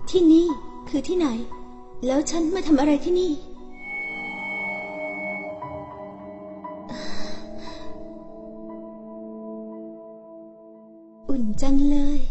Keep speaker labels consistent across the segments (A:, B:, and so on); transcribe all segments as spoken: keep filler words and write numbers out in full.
A: ที่นี่คือที่ไหนแล้วฉันมาทำอะไรที่นี่อุ่นจังเลย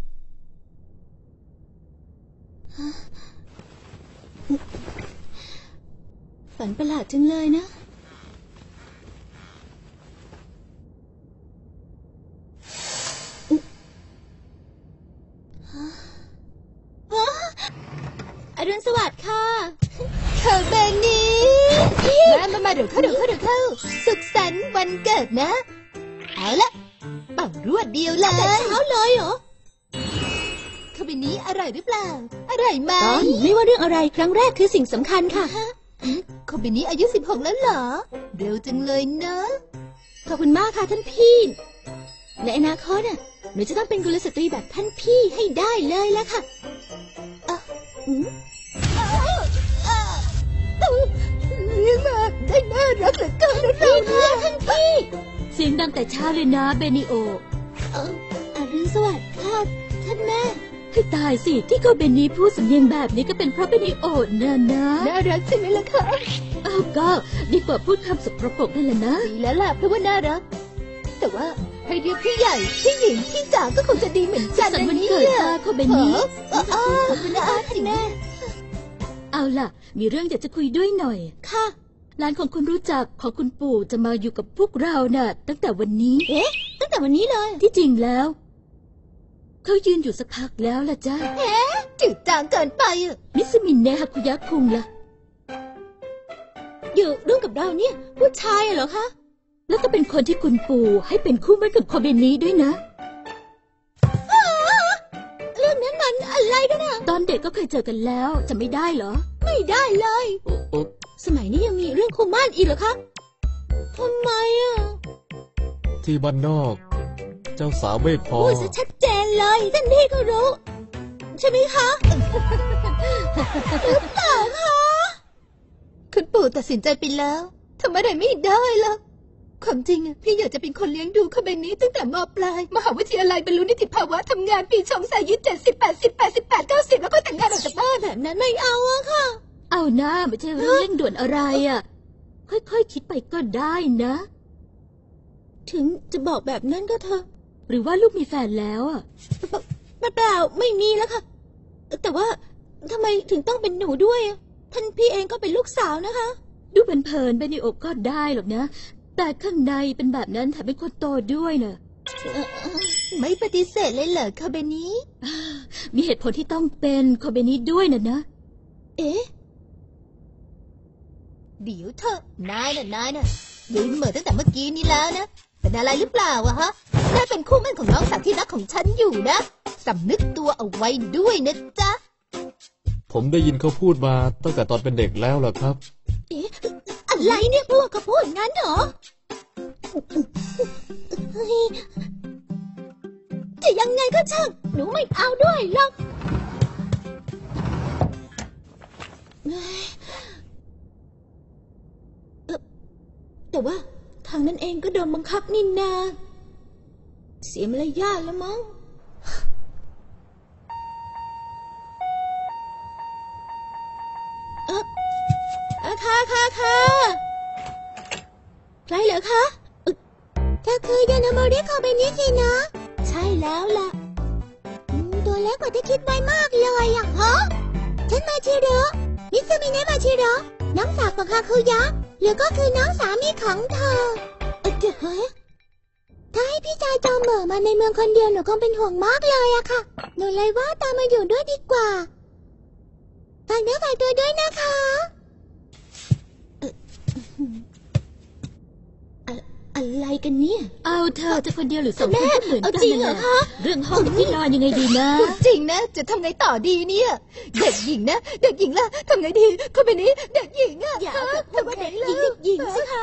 A: ฝันประหลาดจังเลยนะอรุณสวัสดิ์ค่ะ
B: เธอเบนนี่มามามาเดี๋ยวเข้าเดี๋ยวเข้าเดี๋ยวเข้าสุขสันต์วันเกิดนะเอาละเป่ารวดเดียวเลย
A: แต่เช้าเลยเหรอ
B: คาเบนี้อร่อยหรือเปล่าอร่อยไหม
A: ไม่ว่าเรื่องอะไรครั้งแรกคือสิ่งสำคัญค่ะ
B: คาเบนี้อายุสิบหกแล้วเหรอเร็วจังเลยเนอะ
A: ขอบคุณมากค่ะท่านพี่ในอนาคตน่ะหนูจะต้องเป็นกุลสตรีแบบท่านพี่ให้ได้เลยแล้วค่ะ
B: เลี้ยงมาได้น่ารักเหลือเกินนะเรา
A: เนี่ยท่านพี่
C: เสียงดังแต่เช้าเลยนะเบนิโอ
A: เอออรุณสวัสดิ์ค่ะท่านแม่
C: ให้ตายสิที่เขาเบนนี่พูดสำเนียงแบบนี้ก็เป็นเพราะเบนิโอน่ะนะ
B: น่ารักใช่ไหมล่ะคะ
C: อ้าวก็ดีกว่าพูดคำสกปรกนั่นแหละนะ
B: ดีแล้วล่ะเพราะว่าน่ารักแต่ว่าให้เรียกพี่ใหญ่พี่หญิงพี่จ๋าก็คงจะดีเหมือนกัน
C: นะเนี่ยเขาเบนนี่
B: เออเออคุณอาท่านแม่
C: เอาล่ะมีเรื่องอยากจะคุยด้วยหน่อย
A: ค่ะ
C: หลานของคุณรู้จักของคุณปู่จะมาอยู่กับพวกเราน่ะตั้งแต่วันนี้
A: เอ๊ะตั้งแต่วันนี้เลย
C: ที่จริงแล้วเขายืนอยู่สักพักแล้วล่ะจ้า
B: เอ๊ะจืดจางเกินไปอ่ะ
C: มิสมินเนะฮาคุยะคุงล่ะ
A: อยู่ร่วมกับเราเนี่ยผู้ชายเหรอคะ
C: แล้วก็เป็นคนที่คุณปู่ให้เป็นคู่มั่นกับโคเบนี้ด้วยนะ
A: เรื่องนั้นมันอะไรกันอะ
C: ตอนเด็กก็เคยเจอกันแล้วจะไม่ได้เหรอ
A: ไม่ได้เลยสมัยนี้ยังมีเรื่องคู่มั่นอีกเหรอคะทำไมอะ
D: ที่บ้านนอกเจ้าสาวไม่พอ
A: พูดซะชัดเจนเลยท่านพี่ก็รู้ใช่ไหมคะหรือเปล่าคะ
B: คุณปู่ตัดสินใจไปแล้วทำอะไรไม่ได้ล่ะความจริงอะพี่อยากจะเป็นคนเลี้ยงดูเขาแบบนี้ตั้งแต่ม.ปลายมหาวิทยาลัยบรรลุนิติภาวะทำงานปีชงสายุเจ็ดสิบแปดสิบแปดสิบแปดเก้าสิบแล้วก็แต่งงานออกจากบ้าน
A: แบบนั้นไม่เอาอะค่ะ
C: เอาหน้าไม่ใช่เรื่องเร่งด่วนอะไรอะค่อยๆ ค, คิดไปก็ได้นะ
A: ถึงจะบอกแบบนั้นก็เถอะ
C: หรือว่าลูกมีแฟนแล้วอะ
A: เปล่าไม่มีแล้วค่ะแต่ว่าทำไมถึงต้องเป็นหนูด้วยท่านพี่เองก็เป็นลูกสาวนะคะ
C: ดูเพลินๆไปในอกก็ได้หรอกนะแต่ข้างในเป็นแบบนั้นแถมเป็นคนโตด้วยเนอะ
B: ไม่ปฏิเสธเลยเหรอคาเบนี้
C: มีเหตุผลที่ต้องเป็นคาเบนี้ด้วยนะนะ
A: เอ๊ะ
B: เดี๋ยวเถอะนายน่ะนายน่ะยืนเหม่อตั้งแต่เมื่อกี้นี้แล้วนะเป็นอะไรหรือเปล่าวะฮะนายเป็นคู่มั่นของน้องสาวที่รักของฉันอยู่นะสำนึกตัวเอาไว้ด้วยนะจ๊ะ
D: ผมได้ยินเขาพูดมาตั้งแต่ตอนเป็นเด็กแล้วล่ะครับ
A: เอ๊ะอะไรเนี่ยพวกเขาพูดงั้นเหรอจะยังไงก็ช่างหนูไม่เอาด้วยหรอกแต่ว่าทางนั้นเองก็โดนบังคับนี่นาเสียมารยาทแล้วมั้งเออค่ะค่ะค่ะใครเหรอคะเธอคือยานาโมริคาเบนิสินะใช่แล้วล่ะตัวเล็กกว่าที่คิดไว้มากเลยอ่ะฮะฉันมาชิโร่มิซึมิเนะมาชิโร่น้องสาวของคาคุยะหรือก็คือน้องสามีของเธอเออเฮ้ยถ้าให้พี่ชายจอมเหม่อมาในเมืองคนเดียวหนูคงเป็นห่วงมากเลยอะค่ะหนูเลยว่าตามมาอยู่ด้วยดีกว่าฝากเนื้อฝากตัวด้วยนะคะอะไรกันเนี่ย
C: เอาเธอจะคนเดียวหรือสองคนก็เหมือนกันนั่นแหละเรื่องห้องที่นอนยังไงดีนะ
B: จริงนะจะทำไงต่อดีเนี่ยเด็กหญิงนะเด็กหญิงล่ะทำไงดีคนแบบนี้เด็กหญิงอะ
A: อย่าทำไมเด็กหญิงเด็กหญิงสิคะ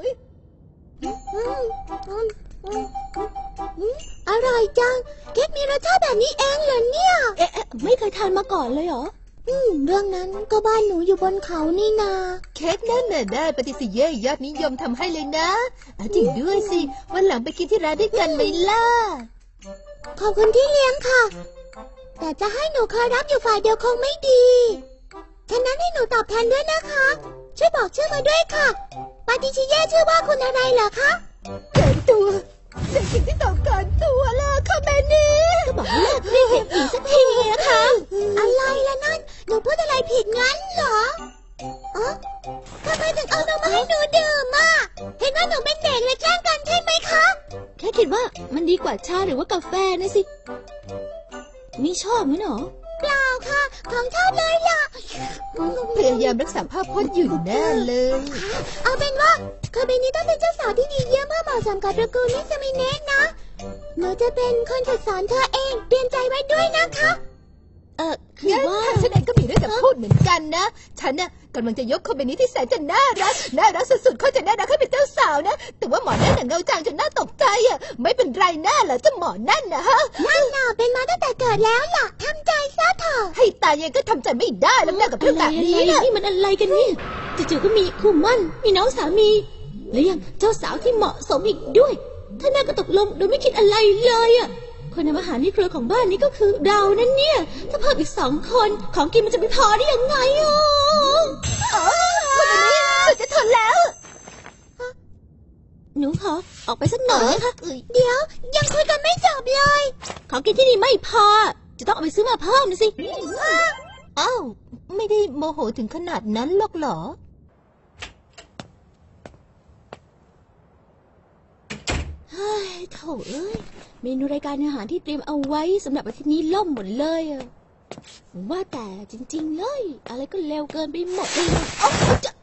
A: อร่อยจังเค้กมีรสชาติแบบนี้เองเหรอเนี่ยเอ๊ะไม่เคยทานมาก่อนเลยเหรออืมเรื่องนั้นก็บ้านหนูอยู่บนเขานี่นา
B: เค้กนั่นน่ะได้ปฏิเสธเย่ยอดนิยมทำให้เลยนะจริงด้วยสิวันหลังไปกินที่ร้านด้วยกันไหมล่ะ
A: ขอบคุณที่เลี้ยงค่ะแต่จะให้หนูคอยรับอยู่ฝ่ายเดียวคงไม่ดีฉะนั้นให้หนูตอบแทนด้วยนะคะช่วยบอกชื่อมาด้วยค่ะปาติชิเย่ชื่อว่าคุณอะไรเหรอคะ
B: เกินตัวเป็นสิ่งที่ต้องการตัวล่ะค่ะแม่นี่
A: ก็บอกให้เลิกเรียกเด็กหญิงสักทีนะคะอะไรล่ะนั่นหนูพูดอะไรผิดงั้นเหรออ๋อทำไมถึงเอานมมาให้หนูดื่มอ่ะเห็นว่าหนูเป็นเด็กและแกล้งกันใช่ไหมคะ
C: แค่คิดว่ามันดีกว่าชาหรือว่ากาแฟนะสิไม่ชอบมั้ยหรอ
A: เปล่าค่ะของชอบเลยล่ะ
B: พยายามรักษาภาพพจน์อยู่แน่เลย
A: เอาเป็นว่าคาเบนี้ต้องเป็นเจ้าสาวที่ดีเยี่ยมเพื่อเหมาะสมกับตระกูลมิสมิเนะนะหนูจะเป็นคนฝึกสอนเธอเองเตรียมใจไว้ด้วยนะคะ
C: เออคือว่า
B: ฉันเองก็มีเรื่องจะพูดเหมือนกันนะฉันน่ะกำลังจะยกคาเบนี้ที่แสนจะน่ารักน่ารักสุดๆเขาจะน่ารักให้เป็นเจ้าสาวนะแต่ว่าหมอนั่นน่ะเงาจางจนน่าตกใจอ่ะไม่เป็นไรน่าเหรอเจ้าหมอนั่นนะฮะ
A: นั่นน่ะเป็นมาตั้งแต่เกิดแล้วล่ะทำใจซะเถอะ
B: ให้ตายยังก็ทำใจไม่ได้แล้วนะกับเรื่องแบบนี้
C: นะนี่มันอะไรกันเนี่ยจู่ๆก็มีคู่มั่นมีน้องสามีแล้วยังเจ้าสาวที่เหมาะสมอีกด้วยถ้าน่าก็ตกลงโดยไม่คิดอะไรเลยอ่ะคนทำอาหารในครัวของบ้านนี้ก็คือเรานั่นเนี่ยถ้าเพิ่มอีกสองคนของกินมันจะไม่พอได้ยังไงอ่ะ
B: คนนี้สุดจะทนแล้ว
C: หนูขอออกไปสักหน่อยนะคะ
A: เดี๋ยวยังคุยกันไม่จบเลย
C: ของกินที่นี่ไม่พอจะต้องเอาไปซื้อมาเพิ่มนะสิ
B: อ้าวไม่ได้โมโหถึงขนาดนั้นหรอกเหรอ
C: เฮ้ยโถ่เอ้ยเมนูรายการอาหารที่เตรียมเอาไว้สำหรับอาทิตย์นี้ล่มหมดเลยอะว่าแต่จริงๆเลยอะไรก็เร็วเกินไปหมดเลยโอ๊ะจะ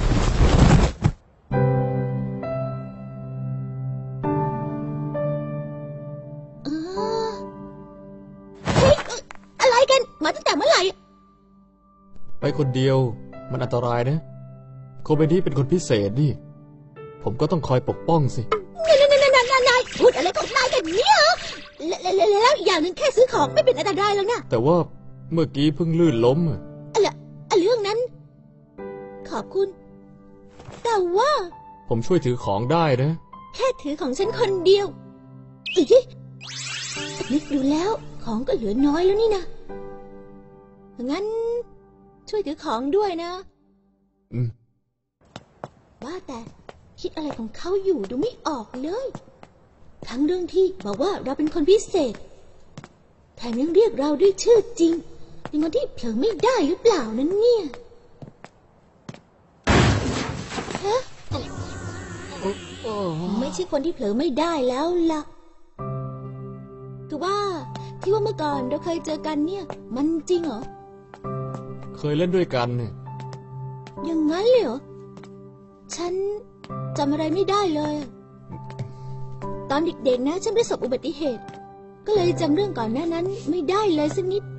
C: เฮ้ยอะไรกันมาตั้งแต่เมื่อไหร่
D: ไปคนเดียวมันอันตรายนะโคเบนี่เป็นคนพิเศษนี่ผมก็ต้องคอยปกป้องสิ
C: นายพูดอะไรของนายกันเนี่ยแล้วอย่างหนึ่งแค่ซื้อของไม่เป็นอันตรายแล้วนะ
D: แต่ว่าเมื่อกี้เพิ่งลื่นล้มอะ
C: อะไรเรื่องนั้นขอบคุณแต่ว่า
D: ผมช่วยถือของได้นะ
C: แค่ถือของฉันคนเดียวอีกนึกดูแล้วของก็เหลือน้อยแล้วนี่นะงั้นช่วยถือของด้วยนะ
D: อืม
C: ว่าแต่คิดอะไรของเขาอยู่ดูไม่ออกเลยทั้งเรื่องที่บอกว่าเราเป็นคนพิเศษแถมยังเรียกเราด้วยชื่อจริงเป็นคนที่เผลอไม่ได้หรือเปล่านั้นเนี่ยฮะไม่ใช่คนที่เผลอไม่ได้แล้วล่ะคือว่าที่ว่าเมื่อก่อนเราเคยเจอกันเนี่ยมันจริงเหรอ
D: เคยเล่นด้วยกันเนี่ย
C: อย่างนั้นเลยเหรอฉันจำอะไรไม่ได้เลยตอนเด็กๆนะฉันประสบอุบัติเหตุก็เลยจำเรื่องก่อนหน้านั้นไม่ได้เลยสักนิด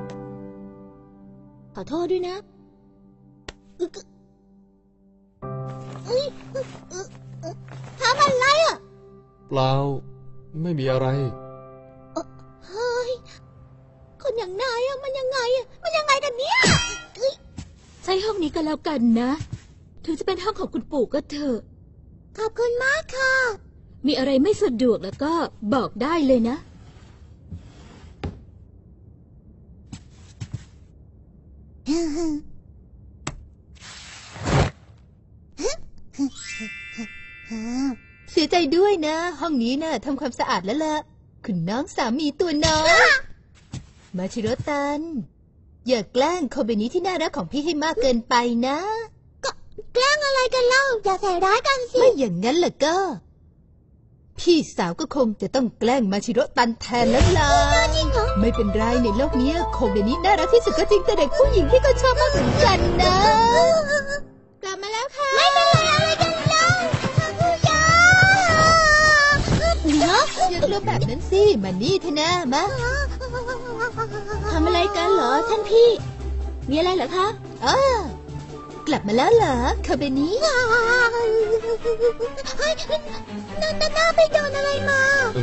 C: ขอโทษด้วยนะทำอะไรอ่ะ
D: เปล่าไม่มีอะไร
C: เฮ้ยคนอย่างนายอ่ะมันยังไงอ่ะมันยังไงกันเนี่ยใช้ห้องนี้ก็แล้วกันนะถึงจะเป็นห้องของคุณปู่ก็เถอะ
A: ขอบคุณมากค่ะ
C: มีอะไรไม่สะดวกแล้วก็บอกได้เลยนะ
B: เสียใจด้วยนะห้องนี้นะทำความสะอาดแล้วล่ะคุณน้องสามีตัวน้อยมาชิโร่ตันอย่าแกล้งโคเบนี้ที่น่ารักของพี่ให้มากเกินไปนะ
A: ก็แกล้งอะไรกันเล่าอย่าใส่ร้ายกันสิ
B: ไม่อย่างนั้นล่ะก็พี่สาวก็คงจะต้องแกล้งมาชิโร่ตันแทนแล้วล่ะไม่เป็นไรในโลกนี้โคเบนี้น่ารักที่สุดก็จริงแต่เด็กผู้หญิงที่ก็ชอบมากเหมือนกันนะ
C: กลับมาแล้วค่ะ
A: ไม่เป็นไรอะไรกันเล่าผู้ยา
B: เนาะอย่ากลัวแบบนั้นสิมานี่เถอะนะมา
C: ทำอะไรกันเหรอท่านพี่มีอะไรเหรอคะ
B: อ๋อกลับมาแล้วเหรอคาเบนี้
A: เฮ้ยนั่นน่าไปโดนอะไรมา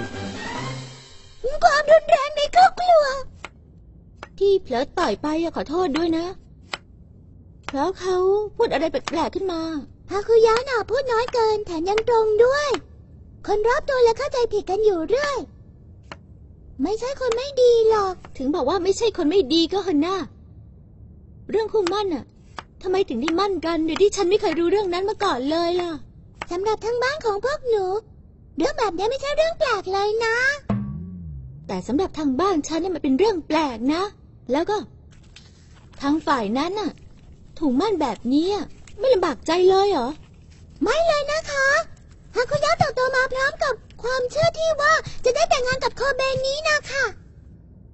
A: ความรุนแรงในครอบครัว
C: ที่เผลอต่อยไปขอโทษด้วยนะเพราะเขาพูดอะไรแปลกๆขึ้นมา
A: ฮาคุยะน่ะพูดน้อยเกินแถมยังตรงด้วยคนรอบตัวและเข้าใจผิดกันอยู่เรื่อยไม่ใช่คนไม่ดีหรอก
C: ถึงบอกว่าไม่ใช่คนไม่ดีก็เถอะนะเรื่องคู่มั่นน่ะทำไมถึงได้มั่นกันโดยที่ฉันไม่เคยรู้เรื่องนั้นมาก่อนเลยล่ะ
A: สำหรับทางบ้านของพวกหนูเรื่องแบบนี้ไม่ใช่เรื่องแปลกเลยนะ
C: แต่สำหรับทางบ้านฉันเนี่ยมันเป็นเรื่องแปลกนะแล้วก็ทางฝ่ายนั้นน่ะถูกมั่นแบบนี้ไม่ลำบากใจเลยเหรอ
A: ไม่เลยนะคะฮาคุยะเติบโตมาพร้อมกับความเชื่อที่ว่าจะได้แต่งงานกับโคเบนนี้นะคะ